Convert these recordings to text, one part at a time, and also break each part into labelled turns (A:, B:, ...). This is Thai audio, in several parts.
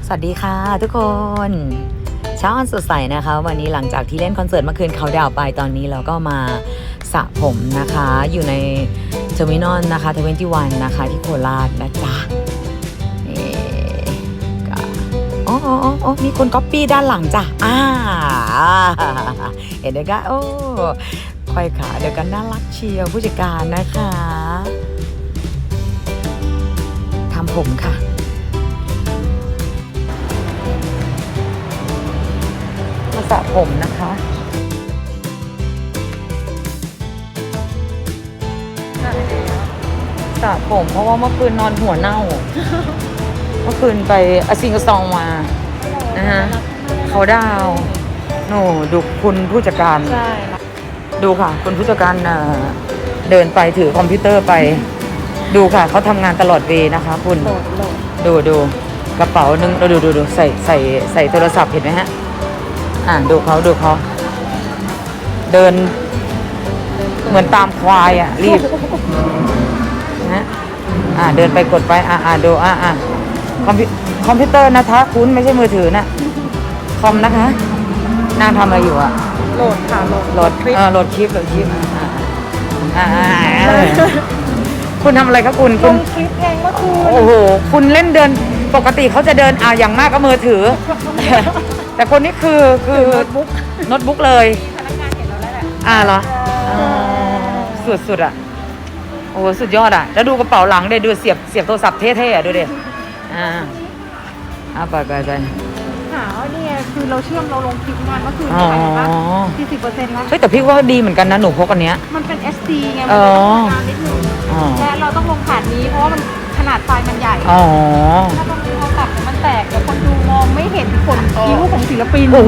A: สวัสดีค่ะทุกคนเช้าอันสดใสนะคะวันนี้หลังจากที่เล่นคอนเสิร์ตเมื่อคืนเขาดาวไปตอนนี้เราก็มาสระผมนะคะอยู่ในเทอร์มินอลนะคะ21นะคะที่โคราชนะจ๊ะนี่ก็โอ้มีคนก๊อปปี้ด้านหลังจ้ะเห็นไหมคะโอ้ค่อยขาเดี๋ยวกันน่ารักเชียวผู้จัดการนะคะทำผมค่ะมาสระผมนะคะสระผมเพราะว่าเมื่อคืนนอนหัวเน่า เมื่อคืนไปอาซิงกซองมานะฮะเขาดาวโน่ดูคุณผู้จัดการดูค่ะคุณผู้จัดการเดินไปถือคอมพิวเตอร์ไปดูค่ะเขาทำงานตลอดเวย์นะคะคุณดูกระเป๋านึงดูใส่โทรศัพท์เห็นไหมฮะดูเขาเดินเหมือนตามควายรีบนะเดินไปกดไปดูคอมพิวเตอร์นะคะคุณไม่ใช่มือถือนะคอมนะคะนางทำอะไรอยู่
B: โหลดค่ะ
A: โหลดคลิปคุณทำอะไรครับคุณ
B: ลงคลิปเองเมื่อคืน
A: โอ้โหคุณเล่นเดินปกติเขาจะเดินอย่างมากก็มือถือ แต่คนนี้คือโน้ตบุ๊กเลย
B: พนักงานเห็นเราแล้วแหละ
A: เหรอสุดโอ้สุดยอดแล้วดูกระเป๋าหลังดูเสียบโทรศัพท์เท่ๆดูดิไป
B: หานี่ไงคือเราเชื่อมเราลงคลิปงานเมื่อคืนไปปะ40%แล้ว
A: เฮ้ยแต่พี่ว่าดีเหมือนกันนะหนูพกอันเนี้ย
B: มันเป็น SD ไงมันเป็นงานนิดนึงและเราต้องลงผ่านนี้เพราะว่ามันขนาดไฟล์มันใหญ่ถ้าตรงนี้เราตัดมันแตกเดี๋ยวคนดูมองไม่เห็นผลคิ้วของศิลปิน
A: โอ้โห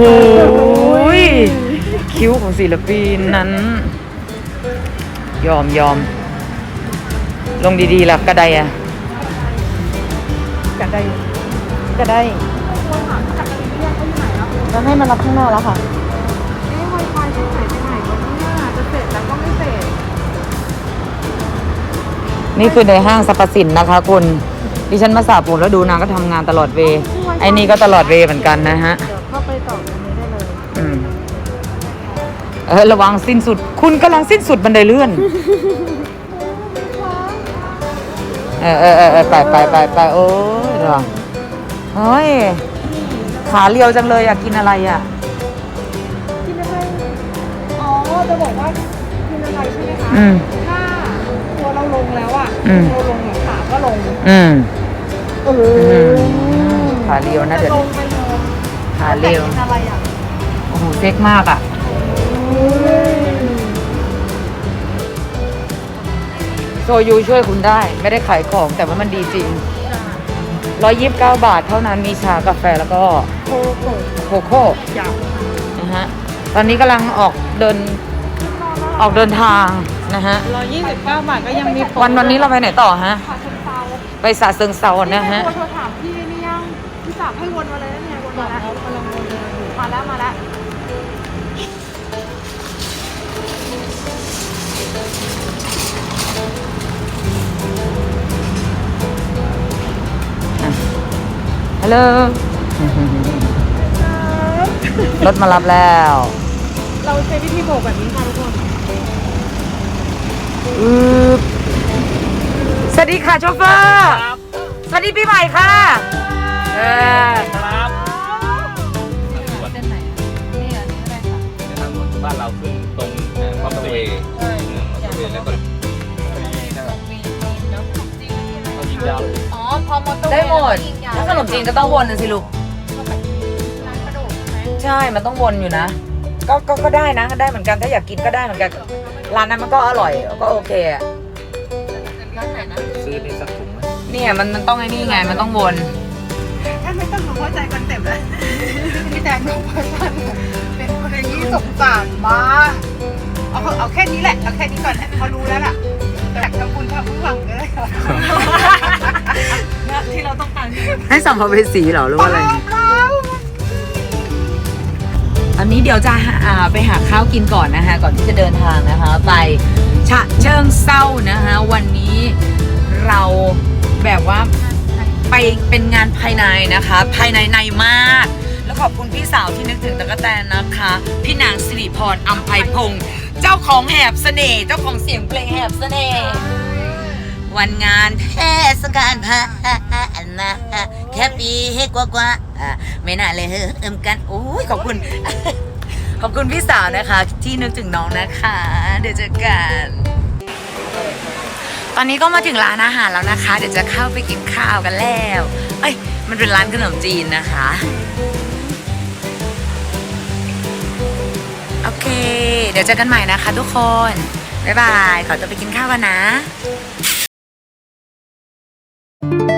A: คิ้วของศิลปินนั้นยอมลงดีๆล่ะกระได
B: กระได
A: จะให้มันรับข้างหน้าแล้วค่ะ
B: ไวไฟที่ไหนไปไหนวันนี้จะเสร็จแล้วก็ไม่เสร็จ
A: นี่คือในห้างสรรพสินนะคะคุณดิฉันมาสระผมแล้วดูนางก็ทำงานตลอดเวย์ไอ้นี่ก็ตลอดเวย์เหมือนกันนะฮะ
B: เดี๋ยวเข้าไปต่อตรงนี้ได้
A: เลยระวังสิ้นสุดคุณกำลังสิ้นสุดบันไดเลื่อนไปโอ้ยเหรอเฮ้ยขาเรียวจังเลยกินอะไร
B: กินอะไรจะบอกว่ากินอะไรใช่ไหมคะถ้าตัวเราลงแล้วเราลงขาก็ลง
A: ขาเรียวนะเดี๋ยวขาเรียว
B: กินอะไร
A: โอ้โหเซ็กมากโซยูช่วยคุณได้ไม่ได้ขายของแต่ว่ามันดีจริง129 บาทเท่านั้นมีชากาแฟแล้วก็โคโค่นะฮะตอนนี้กำลังออกเดินทางนะฮะ
B: 129 บาทก็ยังมี
A: วันนี้เราไปไหนต่อฮะไปฉะเชิงเทรานะฮะ
B: โทรถามพี่นี่ยังพี่ฝากให้วนมาเลยนะเนี่ยวนมาแล้วกำลังวนเลยมาแล้ว
A: ฮัลโหลรถมารับแล้ว
B: เราใช้วิธีโบกแบบนี้ค่ะทุกคน
A: สวัสดีค่ะโชเฟอร์สวัสดีปีใหม่ค่ะ
C: ครับเส้นไหนนี่อันนี้อะไรค่ะในทางด่วนบ้านเราขึ้นตรงมอเตอร์เวย์แล้วก็
A: พอมอเตอร์เวย์ได้หมดถ้าขนมจีนก็ต้องวนนะสิลูกใช่มันต้องวนอยู่นะก็ได้นะได้เหมือนกันถ้าอยากกินก็ได้เหมือนกันร้านนั้นมันก็อร่อยก็โอเค
C: ร้านไหนนะซื้อในสักถุง
A: เนี่ยมันต้องไอ้นี่ไงมันต้องวน
B: ท่านไม่ต้องเข้าใจคอนเซ็ปต์เลยพี่แดงบอกว่าท่านเป็นคนที่สงสารมากเอาแค่นี้แหละเอาแค่นี้ก่อนเขารู้แล้วล่ะจากทำบุญทำผู้หวังเลยที่เราต้องการ
A: ให้สัมภเวสีเหรอหรือว่าอะไรอันนี้เดี๋ยวจะไปหาข้าวกินก่อนนะคะก่อนที่จะเดินทางนะคะไปฉะเชิงเทรานะคะวันนี้เราแบบว่าไปเป็นงานภายในนะคะ ภายในมาก แล้วขอบคุณพี่สาวที่นึกถึงตะกแตนนะคะ พี่นางสิริพรอัมไพพงศ์เจ้าของแหบเสน่ห์เจ้าของเสียงเพลงแหบเสน่ห์วันงานเทศกาลพานะแค่ปีกว่าไม่น่าเลยเอิมกันโอ้ยขอบคุณ ขอบคุณพี่สาวนะคะที่นึกถึงน้องนะคะ เดี๋ยวเจอกัน ตอนนี้ก็มาถึงร้านอาหารแล้วนะคะ เดี๋ยวจะเข้าไปกินข้าวกันแล้วเอ้ยมันเป็นร้านขนมจีนนะคะ โอเค เดี๋ยวเจอกันใหม่นะคะทุกคน บ๊ายบาย ขอตัวไปกินข้าวกันนะ